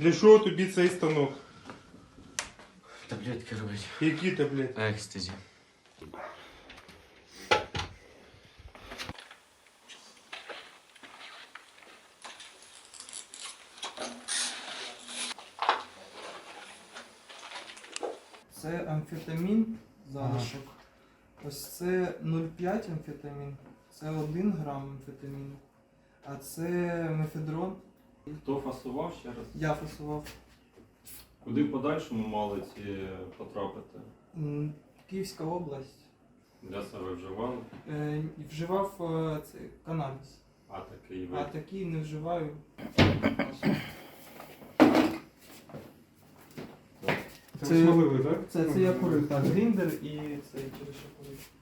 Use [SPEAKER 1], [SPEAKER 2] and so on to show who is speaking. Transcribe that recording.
[SPEAKER 1] Для чого тобі цей станок?
[SPEAKER 2] Таблетки робить.
[SPEAKER 1] Які таблетки?
[SPEAKER 2] Екстазі.
[SPEAKER 3] Це амфетамін, залишок. Ось це 0,5 амфетамін, це 1 грам амфетаміну, а це мефедрон.
[SPEAKER 4] Хто фасував ще раз?
[SPEAKER 3] Я фасував.
[SPEAKER 4] Куди в подальшому мали ці потрапити?
[SPEAKER 3] Київська область.
[SPEAKER 4] Для себе вживали,
[SPEAKER 3] Вживав цей канабіс,
[SPEAKER 4] а такий
[SPEAKER 3] а
[SPEAKER 4] вид.
[SPEAKER 3] такий не вживаю.
[SPEAKER 1] Це смаливий, так?
[SPEAKER 3] Це я курив, так, гріндер і цей через що курив.